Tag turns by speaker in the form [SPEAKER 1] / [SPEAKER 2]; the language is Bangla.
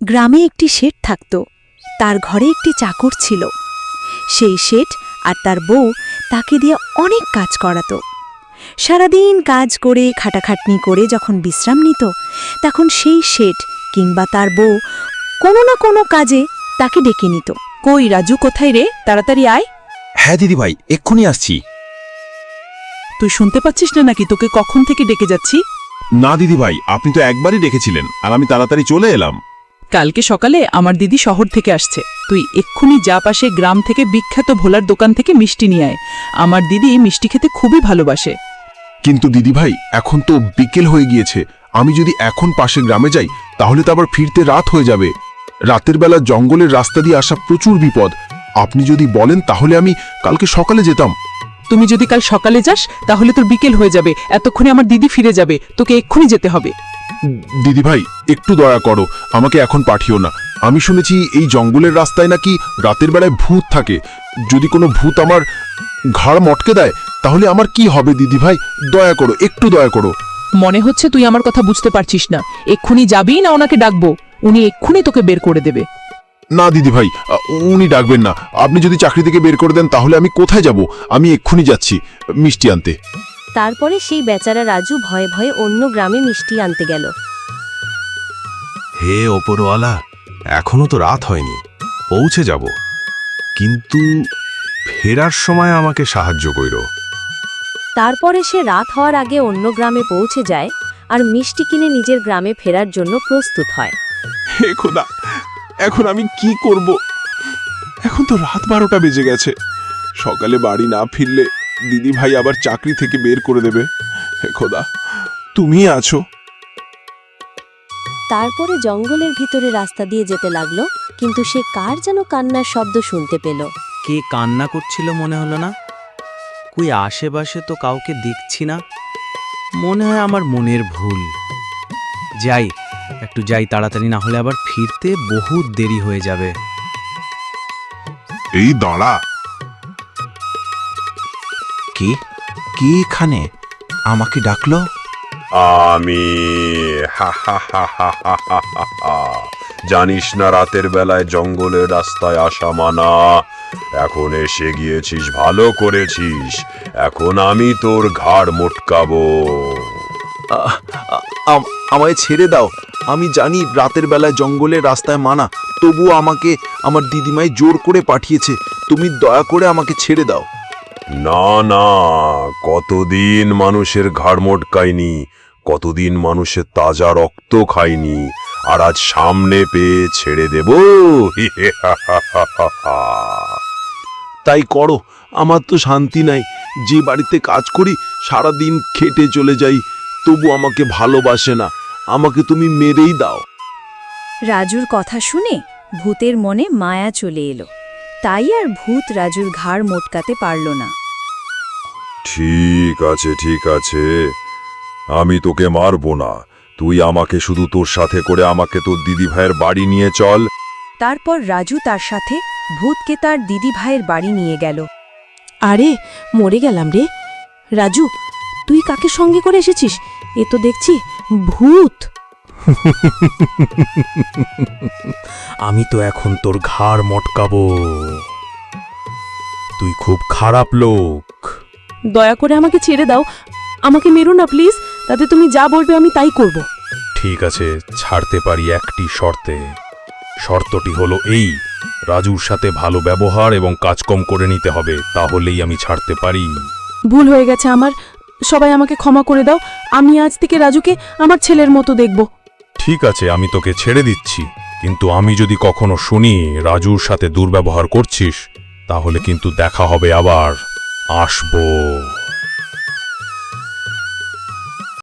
[SPEAKER 1] গ্রামে একটি শেঠ থাকত। তার ঘরে একটি চাকর ছিল। সেই শেঠ আর তার বউ তাকে দিয়ে অনেক কাজ করাত। সারাদিন কাজ করে খাটাখাটনি করে যখন বিশ্রাম নিত, তখন সেই শেঠ কিংবা তার বউ কোনো না কোনো কাজে তাকে ডেকে নিত। কই রাজু, কোথায় রে? তাড়াতাড়ি আয়।
[SPEAKER 2] হ্যাঁ দিদিভাই, এক্ষুনি আসছি।
[SPEAKER 3] তুই শুনতে পাচ্ছিস না নাকি তোকে কখন থেকে ডেকে যাচ্ছি?
[SPEAKER 4] না দিদিভাই, আপনি তো একবারই ডেকেছিলেন আর আমি তাড়াতাড়ি চলে এলাম।
[SPEAKER 3] কালকে সকালে আমার দিদি শহর থেকে আসছে। তুই এক্ষুনি যা পাশে গ্রাম থেকে বিখ্যাত ভোলার দোকান থেকে মিষ্টি নিয়ে আয়। আমার দিদি মিষ্টি খেতে খুবই ভালোবাসে।
[SPEAKER 4] কিন্তু দিদিভাই, এখন তো বিকেল হয়ে গিয়েছে। আমি যদি এখন পাশে গ্রামে যাই তাহলে তো আবার ফিরতে রাত হয়ে যাবে। রাতের বেলা জঙ্গলের রাস্তা দিয়ে আসা প্রচুর বিপদ। আপনি যদি বলেন তাহলে আমি কালকে সকালে যেতাম।
[SPEAKER 3] তুমি যদি কাল সকালে যাস তাহলে তোর বিকেল হয়ে যাবে। এতক্ষণে আমার দিদি ফিরে যাবে, তোকে এক্ষুনি যেতে হবে।
[SPEAKER 4] দিদিভাই, একটু দয়া করো, আমাকে এখন পাঠিও না। আমি শুনেছি এই জঙ্গলের রাস্তায় নাকি রাতের বেলায় ভূত থাকে। যদি কোনো ভূত আমার ঘাড় মটকে দেয় তাহলে আমার কি হবে? দিদিভাই দয়া করো, একটু দয়া করো।
[SPEAKER 3] মনে হচ্ছে তুই আমার কথা বুঝতে পারছিস না। এক্ষুনি যাবি না ওনাকে ডাকবো? উনি এক্ষুনি তোকে বের করে দেবে।
[SPEAKER 4] না দিদিভাই, উনি ডাকবেন না। আপনি যদি চাকরি থেকে বের করে দেন তাহলে আমি কোথায় যাব? আমি এক্ষুনি যাচ্ছি মিষ্টি আনতে।
[SPEAKER 1] তারপরে সেই বেচারা রাজু ভয়ে ভয়ে অন্য গ্রামে মিষ্টি আনতে গেল।
[SPEAKER 2] হে ওপরওয়ালা, এখনো তো রাত হয়নি, পৌঁছে যাব, কিন্তু ফেরার সময় আমাকে সাহায্য কইরো।
[SPEAKER 1] তারপরে সে রাত হওয়ার আগে অন্য গ্রামে পৌঁছে যায় আর মিষ্টি কিনে নিজের গ্রামে ফেরার জন্য প্রস্তুত হয়।
[SPEAKER 4] হে খোদা, এখন আমি কি করব? এখন তো রাত 12টা বেজে গেছে। সকালে বাড়ি না ফিরলে দিদি ভাই আবার চাকরি থেকে বের করে দেবে। হে খোদা, তুমি আছো।
[SPEAKER 1] তারপরে জঙ্গলের ভিতরে রাস্তা দিয়ে যেতে লাগলো, কিন্তু সে কার যেন কান্নার শব্দ শুনতে পেল।
[SPEAKER 5] কে কান্না করছিল মনে হলো না? কই আশেপাশে তো কাউকে দেখছি না। মনে হয় আমার মনের ভুল। যাই, একটু যাই তাড়াতাড়ি, না হলে আবার ফিরতে বহুত দেরি হয়ে যাবে।
[SPEAKER 4] এই দাঁড়া।
[SPEAKER 2] কে কে এখানে আমাকে ডাকলো?
[SPEAKER 6] আমি জানিস না রাতের বেলায় জঙ্গলের রাস্তায় আসা মানা? এখন এসে গিয়েছিস, ভালো করেছিস। এখন আমি তোর ঘাড় মোটকাবো।
[SPEAKER 2] আমায় ছেড়ে দাও। আমি জানি রাতের বেলায় জঙ্গলের রাস্তায় মানা, তবুও আমাকে আমার দিদিমাই জোর করে পাঠিয়েছে। তুমি দয়া করে আমাকে ছেড়ে দাও।
[SPEAKER 6] না না, কতদিন মানুষের ঘাড় মোটকায়নি, কতদিন মানুষের তাজা রক্ত খায়নি, আর আজ সামনে পেয়ে ছেড়ে দেব?
[SPEAKER 2] তাই করো, আমার তো শান্তি নাই। যে বাড়িতে কাজ করি সারাদিন খেটে চলে যাই, তবু আমাকে ভালোবাসে না। আমাকে তুমি মেরেই দাও।
[SPEAKER 1] রাজুর কথা শুনে ভূতের মনে মায়া চলে এলো। তাই আর ভূত রাজুর ঘাড় মোটকাতে পারল না।
[SPEAKER 6] ঠিক আছে ঠিক আছে, আমি তোকে মারবো না। তুই আমাকে শুধু তোর সাথে করে আমাকে তোর দিদি ভাইয়ের বাড়ি নিয়ে চল।
[SPEAKER 1] তারপর রাজু তার সাথে ভূতকে তার দিদি ভাইয়ের বাড়ি নিয়ে গেল।
[SPEAKER 7] আরে মরে গেলাম রে। রাজু, তুই কাকে সঙ্গে করে এসেছিস? এ তো দেখছি ভূত।
[SPEAKER 8] আমি তো এখন তোর ঘাড় মটকাবো। তুই খুব খারাপ লোক।
[SPEAKER 7] দয়া করে আমাকে ছেড়ে দাও, আমাকে মেরো না প্লিজ। তাতে তুমি যা বলবে আমি তাই করব।
[SPEAKER 8] ঠিক আছে, ছাড়তে পারি একটি শর্তে। শর্তটি হলো এই, রাজুর সাথে ভালো ব্যবহার এবং কাজকম করে নিতে হবে, তাহলেই আমি ছাড়তে পারি।
[SPEAKER 7] ভুল হয়ে গেছে আমার, সবাই আমাকে ক্ষমা করে দাও। আমি আজ থেকে রাজুকে আমার ছেলের মতো দেখব।
[SPEAKER 8] ঠিক আছে, আমি তোকে ছেড়ে দিচ্ছি, কিন্তু আমি যদি কখনো শুনি রাজুর সাথে দুর্ব্যবহার করছিস তাহলে কিন্তু দেখা হবে আবার। আসবো।